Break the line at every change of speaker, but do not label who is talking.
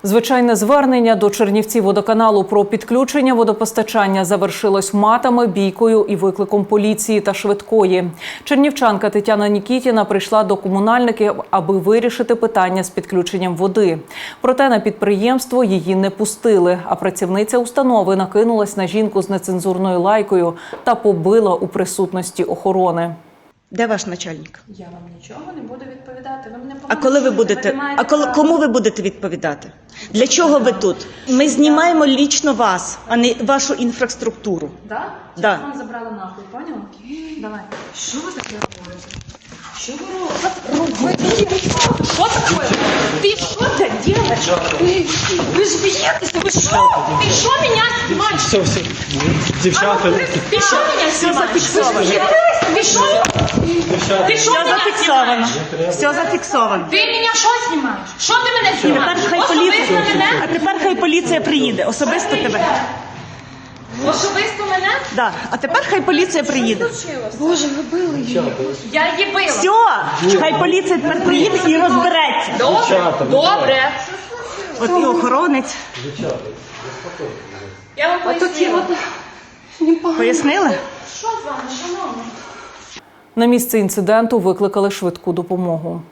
Звичайне звернення до Чернівцівводоканалу про підключення водопостачання завершилось матами, бійкою і викликом поліції та швидкої. Чернівчанка Тетяна Нікітіна прийшла до комунальників, аби вирішити питання з підключенням води. Проте на підприємство її не пустили, а працівниця установи накинулась на жінку з нецензурною лайкою та побила у присутності охорони.
Де ваш начальник?
Я вам нічого не буду відповідати. Ви мене
А коли ви будете? Кому ви будете відповідати? Для чого ви тут? Ми знімаємо лічно вас, а не вашу інфраструктуру.
Да?
Да.
Вам забрали нахуй, поняла? Давай. Що ви таке робите? Що ви робите? Що таке? Ти що це робиш? Ви ж боїтеся, ви що? Ти що мене знімаєш?
Все, дівчата.
Ти що мене знімаєш? Ти що? Ти що
Все
мене
зафіксовано.
знімаєш?
Все зафіксовано.
Ти мене що знімаєш? Що ти мене знімаєш?
А тепер хай поліція приїде. Особисто тебе.
Особисто мене?
Да. А тепер хай поліція приїде.
Боже, ви били її. Я її била.
Все, хай поліція тепер приїде і розбереться.
Добре, добре.
От і охоронець.
Я вам пояснила.
Пояснили?
Що з вами, шановна?
На місце інциденту викликали швидку допомогу.